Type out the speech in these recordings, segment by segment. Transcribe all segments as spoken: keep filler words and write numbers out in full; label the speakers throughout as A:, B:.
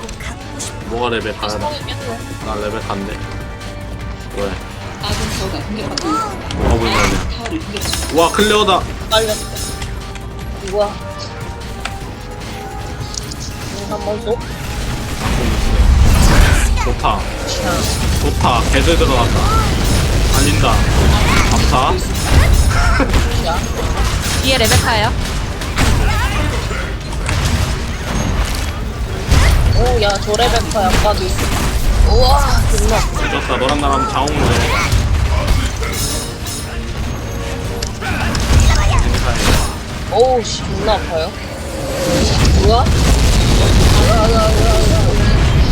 A: 뭐가 레벨 가야 돼? 나 레벨 갔네. 왜? 뭐가 보이면 돼? 와 클레어다.
B: 빨렸어. 우와. 한번 쏙.
A: 좋다.
B: 자,
A: 좋다. 개들 들어갔다. 달린다. 감사.
B: 자.
C: 뒤에 레베카예요.
B: 오, 야, 저 레베카 약간. 우와, 존나.
A: 늦었다. 너랑 나랑 자웅을 해.
B: 오우, 씨, 존나 아파요. 뭐야? 뭐야, 뭐야, 뭐야, 뭐야.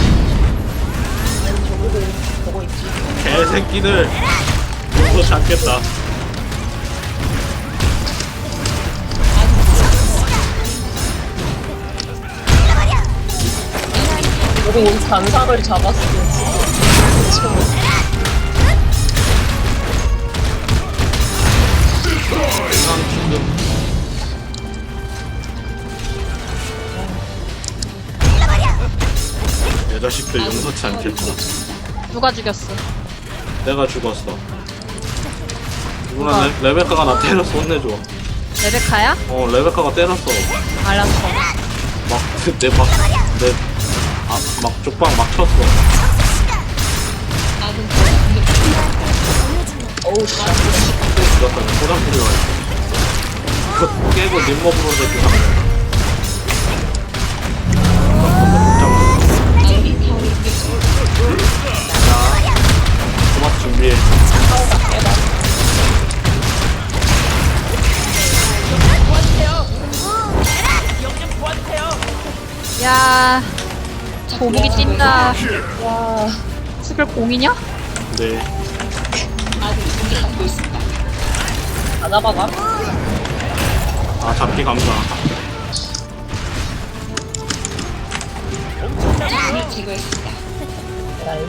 B: 아니, 저기도 보고 있지.
A: 개새끼들. 이거 잡겠다.
B: 우리 잔상을 잡았어.
A: 세상 지금 내 자식들 용서치 않겠구나.
C: 누가 죽였어?
A: 내가 죽었어. 누구나 레, 레베카가 나 때렸어. 혼내줘.
C: 레베카야?
A: 어 레베카가 때렸어.
C: 알았어.
A: 막내막내아막 쪽방 막 쳤어.
B: 어우, 씨.
A: 죽었다. 포장 뿌리가 그거 깨고 님먹으로 해주나. 토마토 준비해.
C: 야, 고기기 찐다.
B: 와.
C: 수별 공이냐?
A: 네.
B: 다 잡아가?
A: 아 잡기 감사.
B: 에라이.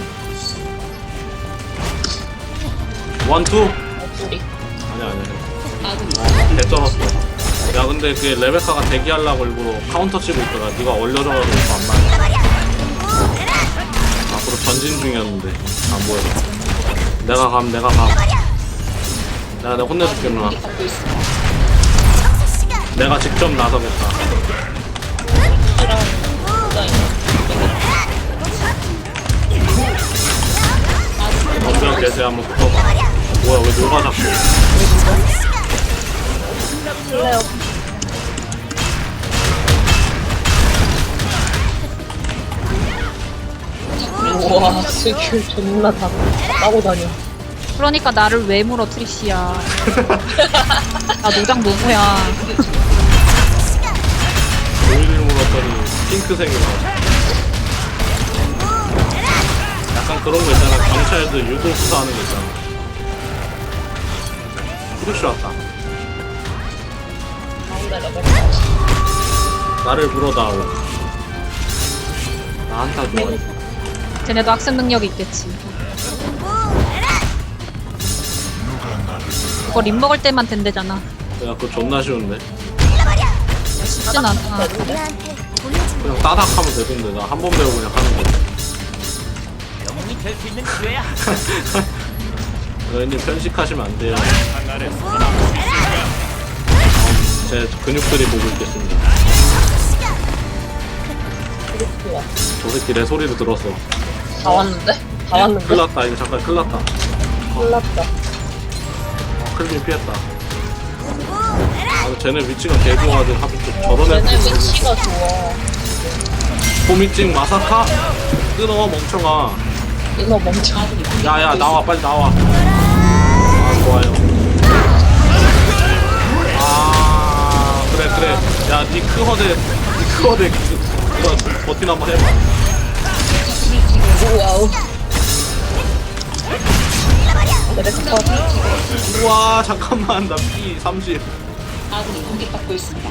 A: 원투.
B: 목소리.
A: 아니야 아니야. 개 쩔었어. 야 근데 그 레베카가 대기하려고 일부러 카운터 치고 있더라. 네가 얼려져가지고 안 맞아. 앞으로 전진 중이었는데 안 보여. 내가 감 내가 감. 내가 내가 혼내줄게 누나. 내가 직접 나서겠다.
B: 이랑 누가 있나?
A: 먼저 개세 한번 붙어봐. 뭐야 왜 녹아 잡고.
B: 플레어. 우와, 스킬 존나 다 따고 다녀.
C: 그러니까 나를 왜 물어 트리시야. 나 노장 노무야.
A: 오일을 물었더니 핑크색이 나와. 약간 그런 거 있잖아. 경찰들 유도 수사하는 거 있잖아. 후르쉬 왔다.
B: 가운데 레벨.
A: 나를 물어다오. 나 한타 좋아해.
C: 쟤네도 학습 능력이 있겠지. 그거 립 먹을 때만 된대잖아.
A: 야 그거 존나 쉬운데.
C: 쉽진 않아.
A: 그냥 따닥 하면 되던데. 나 한 번 배우고 그냥 하는 거지.
D: 영웅이 될 수 있는 기회야.
A: 너희님 편식하시면 안 돼요. 제 근육들이 보고 있겠습니다.
B: 그렇구나.
A: 저 새끼 내 소리를 들었어.
B: 다 왔는데? 다 왔는데?
A: 큰일 났다. 이거 잠깐 큰일 났다.
B: 큰일 났다.
A: 어, 클빈 피했다. 아, 쟤네 위치가 개 좋아하지. 하필 또 저런
B: 쟤네
A: 애들.
B: 위치가 좋아.
A: 호미찡 마사카? 끊어, 멍청아.
B: 이거 멈춰.
A: 야야 나와 빨리 나와. 아 좋아요. 아 그래 그래. 야 니크 허대 니크 허대 이거 버틴 한번 해봐.
B: 와우. 레베카.
A: 우와 잠깐만 나 피 삼십.
E: 아군이 공격받고 있습니다.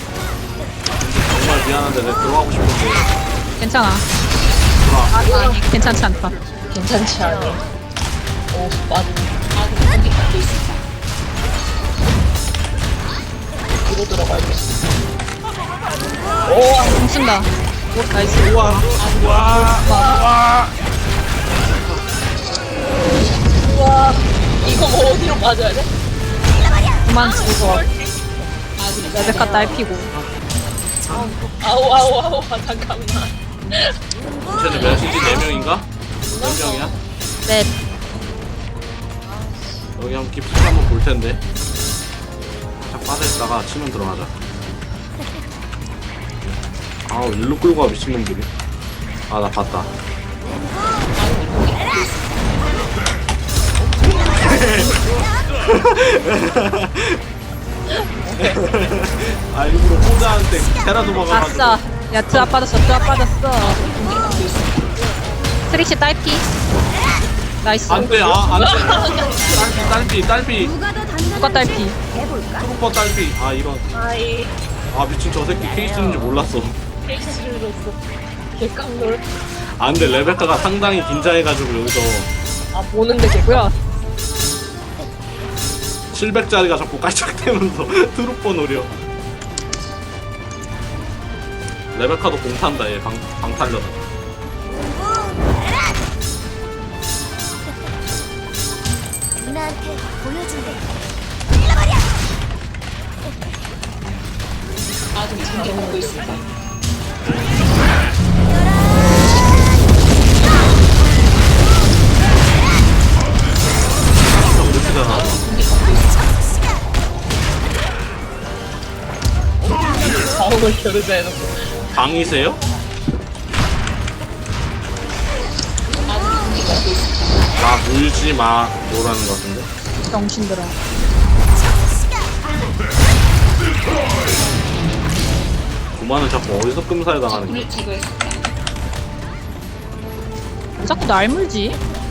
A: 정말 미안한데 내가 들어가고 싶은데.
C: 괜찮아.
A: 들어와.
C: 아니, 아니 괜찮지 않다.
B: 괜찮지 않아. 오, 맞아.
E: 아군이 공격받고 있습니다.
B: 뒤로 들어가야겠어. 오,
C: 공 쓴다. 나이스.
A: 우와 우와
B: 우와 이거 뭐 어디로 맞아야 돼?
C: 그만 죽어. 레베카 딸피고.
B: 아우 아우 아우 아, 잠깐만.
A: 쟤네 메시지 네 명인가? 몇 명이야?
C: 넷.
A: 여기 한번 깊숙이 한번 볼 텐데. 딱 빠져있다가 치면 들어가자. 아우 일로 끌고 가 미친놈들이. 아 나 봤다. 아 일부러 호자한테 테라도 먹어가지고.
C: 아싸. 야 드랍 빠졌어. 드랍 빠졌어. 트릭시 딸피. 나이스.
A: 안돼 아 안돼. 딸피 딸피 딸피.
C: 누가 딸피?
A: 트루퍼 딸피. 아 이런.
B: 아이
A: 아 미친 저 새끼 케이스인지 몰랐어.
B: 케이스를 넣었어. 개깡놀.
A: 아 근데 레베카가 상당히 긴장해가지고 여기서
B: 아 보는데 개
C: 뭐야?
A: 칠백짜리가 자꾸 깔짝대면서 트루퍼 노려. 레베카도 공탄다 얘 방, 방탄려다.
F: 누나한테 보여준대.
E: 아군이 공격받고 있습니다.
A: 이렇게잖아.
B: 자원을 겨루자 해놓고.
A: 방이세요? 나 물지 마 뭐라는 거 같은데.
C: 정신들아.
A: 구만은 자꾸 어디서 끔살 당하는 거야.
E: 적군을 제거했습니다.
C: 왜 자꾸 날 물지?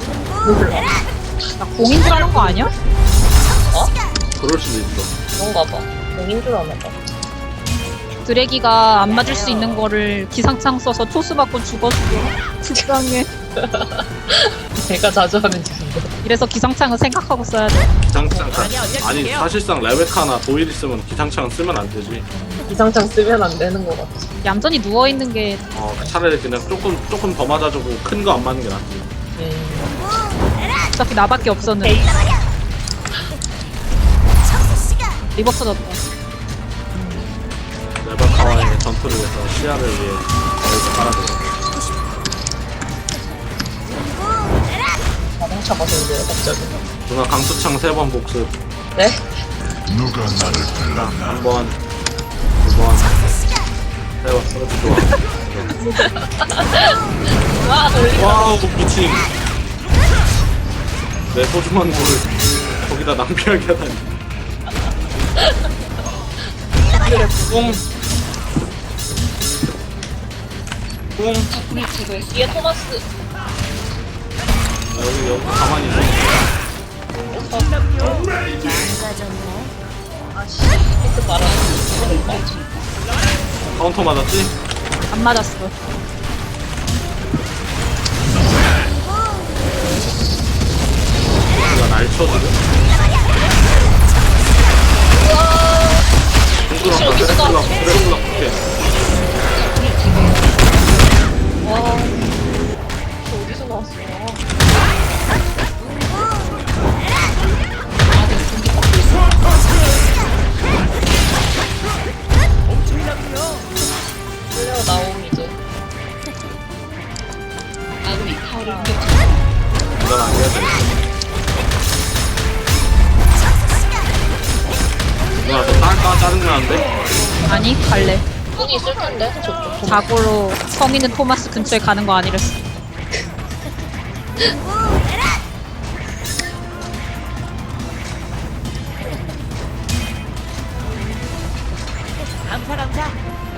C: 나 공인 줄 아는 거 아니야?
A: 그럴 수도 있어.
B: 그런가 봐. 공인 줄 아나 봐.
C: 드래기가 안 맞을 수 있는 거를 기상창 써서 토스 맞고 죽었어. 불쌍해.
B: 내가 자주 하는 짓인데.
C: 이래서 기상창은 생각하고 써야 돼.
A: 기상창 아니 사실상 레베카나 도일 있으면 기상창 쓰면 안 되지.
B: 기상창 쓰면 안 되는 거 같아.
C: 얌전히 누워 있는 게
A: 어 차라리 그냥 조금 조금 더 맞아주고 큰 거 안 맞는 게 낫지.
B: 음.
C: 어차피 나밖에 없었는데. 리버 터졌다.
A: 레베카와의 전투를 위해서 시야를 위해 여기서 깔아줘.
B: 자동차가 생겨요 갑자기.
A: 누나 강수창 세 번 복습.
B: 네?
A: 자, 한 번, 두 번, 세 번. 그렇지 좋아.
B: 와 놀리.
A: 와우 미친. 내 소중한 물을 거기다 낭비하게 하다니. 뿡. 뿡.
E: 적군을 제거했습니다.
B: 뒤에 토마스.
A: 여기 여기 가만히 있어.
B: 아씨 히트 말아.
A: 카운터 맞았지?
C: 안 맞았어.
A: 내가 날 쳐주고. 동그랗다. 드래곤라 드래곤라 부캐.
B: 와. 저 어디서 나왔어? 끌려 나옴 이제.
E: 아군이 타워를 공격 중입니다.
A: 이건 안 해야 돼. 누나 저 딸까 짜증나는데?
C: 아니 갈래.
B: 뿡이 있을 텐데 저쪽.
C: 자고로 성 있는 토마스 근처에 가는 거 아니랬어.
D: 암살 암살.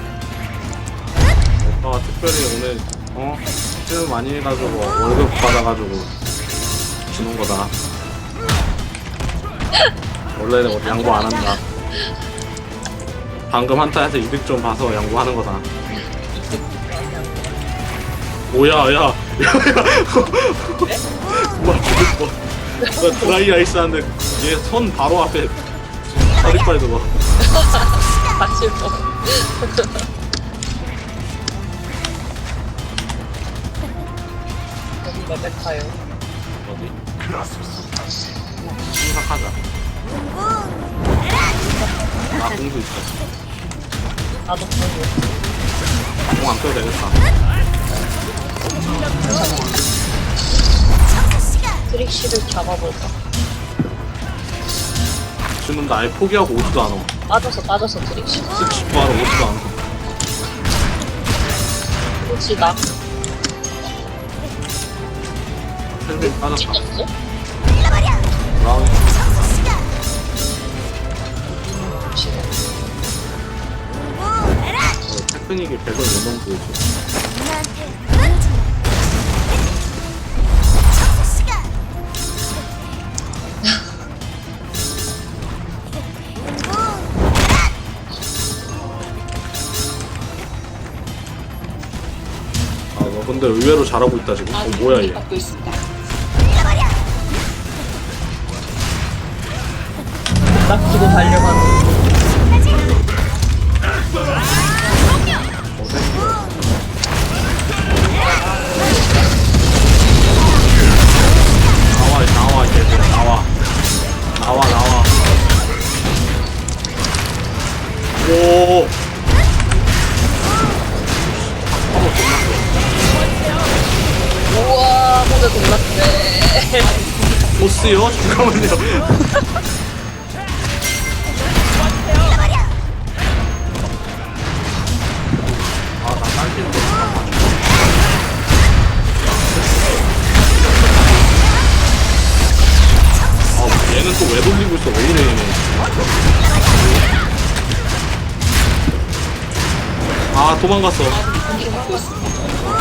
A: 오빠가 특별히 오늘 어? 실 많이 해가지고 월급 받아가지고 주는 거다. 원래는 뭐 양보 안 한다. 방금 한타에서 이득 좀 봐서 양보하는 거다. 뭐야 야 야야 와 죽을 뻔. 나 드라이 아이스 하는데 얘 손 바로 앞에 서리빨 들어.
B: 같이 뭐. 레베카요.
A: 어디? 생각하자. 나 공도 있어.
B: 나도 보고.
A: 공 안 껴도 되겠다.
B: 트릭시를 잡아볼까?
A: 지금 나 아예 포기하고 오지도 않아.
B: 빠져서 빠져서 트릭시.
A: 스치 구하러 오지도 않아.
B: 혹시 나
A: 헬멧 빠졌다.
B: 찢었어?
A: 브라운. 테크닉이 백을 못 넘고 보이지. 아, 너 근데 의외로 잘하고 있다 지금. 어,
E: 아군이
A: 뭐야 얘.
E: 공격받고 있습니다.
B: 락키고 달려가는.
A: 어, 됐어. 나와, 나와, 얘들 나와. 나와, 나와. 오. 한번 끝났어.
B: 우와, 모두 동났네.
A: 보스요? 잠깐만요. 아, 나 딸피는 거 잠깐만. 아, 얘는 또 왜 돌리고 있어? 왜 이래, 얘는. 아, 도망갔어.
E: 아군이 공격받고 있습니다.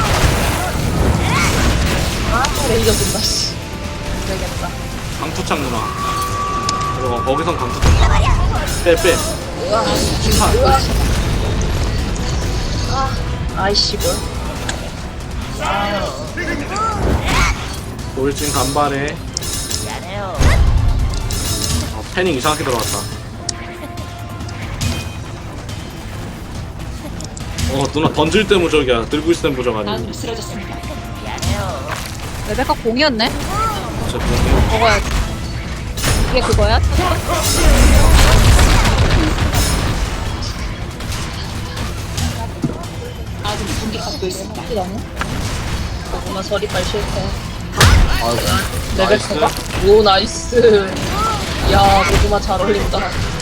B: 아, 또 레이저 든다, 씨. 되겠다.
A: 강투창 누나. 그리고 거기선 강투창. 빼, 빼.
B: 우와,
A: 심판.
B: 우와. 아, 아이씨, 뭘.
A: 돌진 간발에.
D: 미안해요.
A: 아, 패닝 이상하게 들어갔다. 어, 누나 던질 때 무적이야. 들고 있을 때 무적 아니고.
E: 아군이 쓰러졌습니다.
D: 미안해요.
C: 레베카 공이었네?
A: 진짜 그런
C: 먹어야지. 이게 그거야?
E: 아군이 공격받고 있습니다.
B: 너무? 고구마 서리빨 실패.
A: 아이고.
B: 레베카가? 오, 나이스. 야, 고구마 잘 어울린다.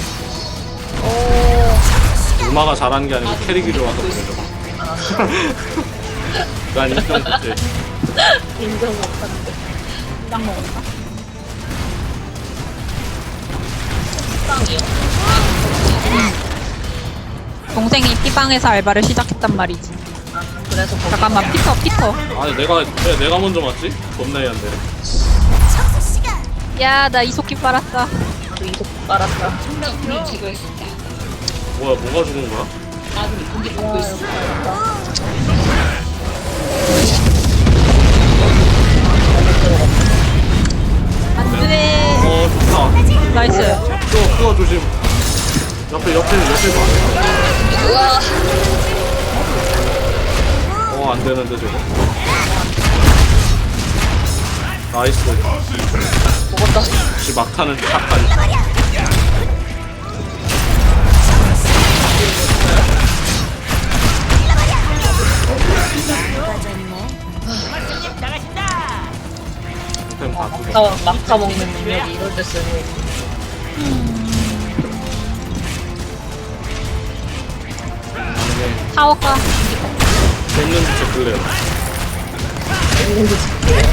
B: 오,
A: 누마가 잘하는 게 아니고 캐릭이 좋아서
E: 공격받고
A: 그래.
E: 있습니다.
A: 난 인정 못해.
B: 인정 못하는데.
C: 딱 먹었다.
B: 빵이요.
C: 동생이 피방에서 알바를 시작했단 말이지.
B: 아, 그래서 거기
C: 잠깐만, 피터, 피터.
A: 아니 내가 왜 내가 먼저 맞지? 겁나 얘한데.
C: 야, 나 이속기 빨았다.
B: 그 이속 빨았다.
E: 적군을 제거했습니다.
A: 뭐야 뭐가 죽은 거야?
E: 아군이 공격받고
B: 와, 여기
E: 있습니다.
B: 빨았다.
C: 안 돼.
A: 어 좋다.
C: 나이스.
A: 그거 그거 조심. 옆에 옆에 옆에 봐.
B: 우와.
A: 어 안되는데 저거. 나이스.
B: 먹었다.
A: 역시 막타는 탁하니.
D: 나가신다.
A: 템 다 뜯어.
B: 막타, 막타 먹는 능력이 이럴 때 쓰는.
C: 타워가.
A: 됐는지 체크래요.
B: 있는지 싶어요.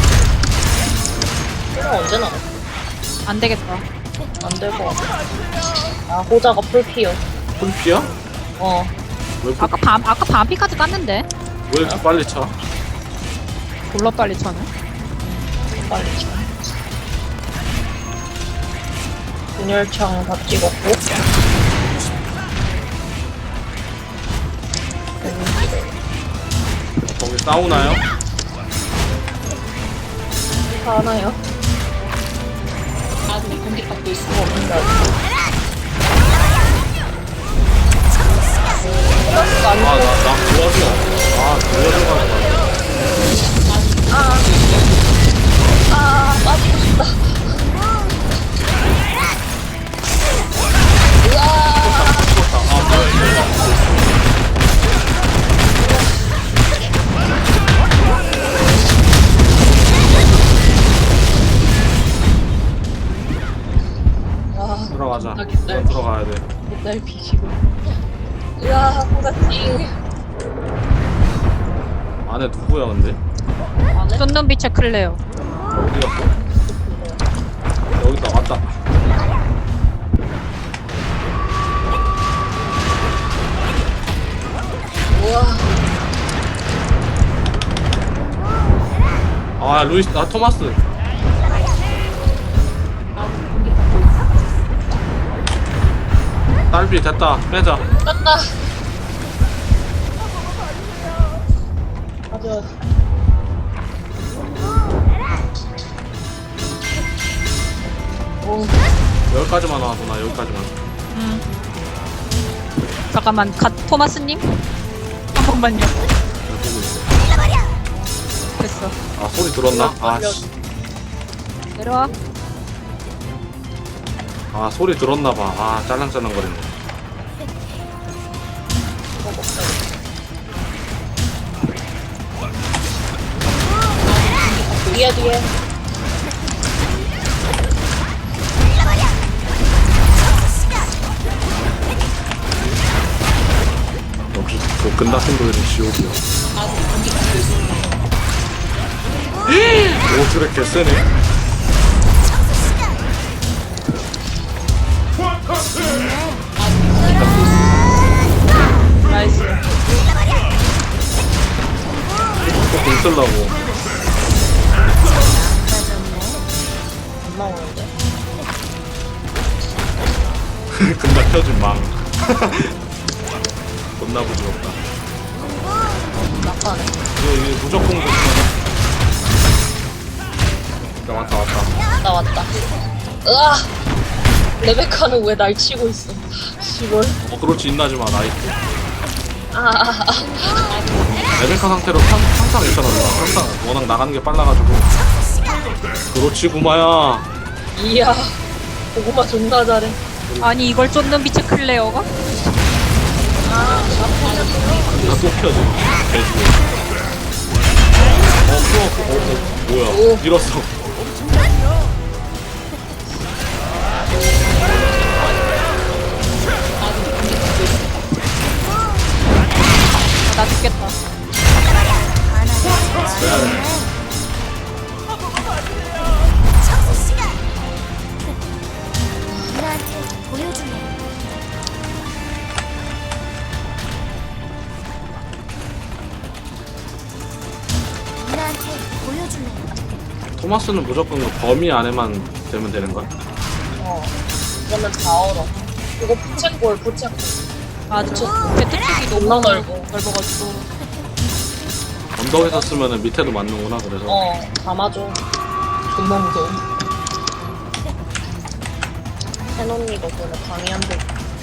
B: 언제 나와?
C: 안 되겠다.
B: 안 될 것 같아. 아, 호자가 풀피어.
A: 풀피야?
B: 어.
A: 왜,
C: 아까 밤, 아까 밤피까지 깠는데?
A: 왜 이렇게 빨리 차?
C: 졸라 빨리 차네.
B: 빨리 쳐. 분열창 다 찍었고.
A: 거기 싸우나요?
B: 다 하나요?
E: 아군이 공격받고 있습니다.
B: 뭔가. 플러스가 안
A: 아
B: 돼.
A: 나 나 도와줘. 아 도와줘가.
B: 아, 아 깃날
A: 들어가야 돼.
B: 깃날 비시고. 으아 호자찡.
A: 안에 누구야 근데?
B: 안에
C: 쫓는 빛의 클레어.
A: 어디 갔어? 여기다 왔다.
B: 우와.
A: 아 루이스, 아 토마스. 딸비 됐다. 빼자.
B: 떴다. 가져. 오.
A: 여기까지만 와도 나 여기까지만.
C: 음. 잠깐만, 갓 토마스님? 한 번만요.
A: 여기 보고 있어.
C: 됐어.
A: 아 소리 들었나? 아 씨.
C: 내려와.
A: 아 소리 들었나봐. 아 짤랑짤랑 거리네.
B: 뒤에 뒤에.
A: 역시 그 끝났은 도일은 지옥이야. 오 그래 개쎄네.
C: 나이스.
A: 또공 쓰려고.
B: 안 나오는데.
A: 금방 켜준 망. 겁나 부드럽다.
B: 낙하네.
A: 이거, 이거 무조건 좋다. 야, 왔다, 왔다.
B: 나 왔다. 으아. 레베카는 왜 날 치고 있어? 시골.
A: 어, 그렇지, 인나지 마, 나이스.
B: 아, 아, 아.
A: 레베카 상태로 상, 항상 있잖아, 누나. 항상 워낙 나가는 게 빨라가지고. 그렇지, 구마야.
B: 이야. 고구마 존나 잘해.
C: 아니, 이걸 쫓는 빛의 클레어가?
B: 아,
A: 다 또 켜져. 개죽어. 어, 또, 어, 어, 뭐야.
B: 오.
A: 밀었어.
C: 아, 나 죽겠다.
A: 토마스는 무조건 그 범위 안에만 되면 되는 거야?
B: 어. 이거는 다 얼어. 이거 부채꼴, 부채꼴.
C: 맞아. 배트축이 너무
B: 존나 넓어.
C: 넓어가지고.
A: 언덕에서 쓰면은 밑에도 맞는구나, 그래서.
B: 어, 담아줘. 존나 무서워. 해놓니 덕분에 방이 안 돼.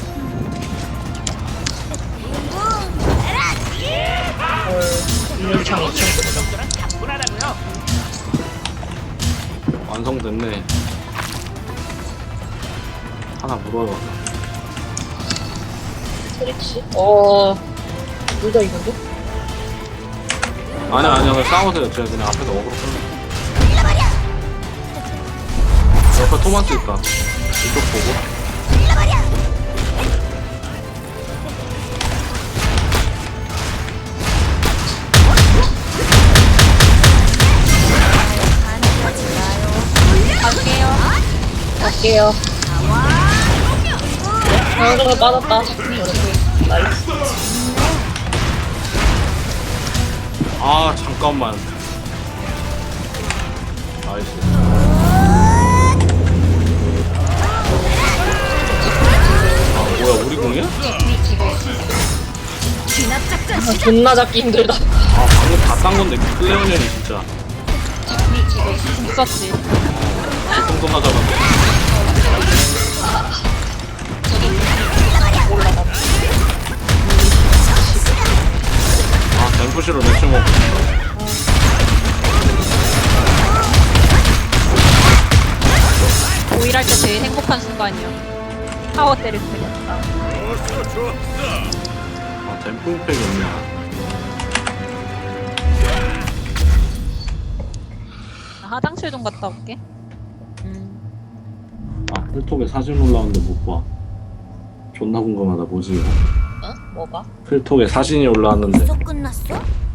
B: 헐, 일일창 이천.
A: 완성됐네. 하나 물어요.
B: 트릭시? 어, 둘 다 이건데?
A: 아니야, 아니야, 그냥 싸우세요. 제가 그냥 앞에서 어그로 끌면. 옆에 토마스 있다. 이쪽 보고.
C: 갈게요.
B: 갈게요. 방금을 빠졌다. 나이스.
A: 아, 잠깐만. 나이스. 아, 뭐야, 우리 공이야?
B: 아, 존나 잡기 힘들다.
A: 아, 방금 다 딴 건데, 클레오년이 진짜.
C: 있었지.
A: 똥똥 하자마자. 아, 댐프시로 매치 먹고 싶다.
C: 오일할 때 제일 행복한 순간이야. 타워 때릴 때였다.
A: 아, 댐프 임팩이 없냐.
C: 나 화장실 좀 갔다 올게.
B: 음.
A: 아, 필톡에 사진 올라왔는데 못 봐. 존나 궁금하다. 뭐지 이거?
B: 어? 뭐가?
A: 필톡에 사진이 올라왔는데
F: 벌써 끝났어?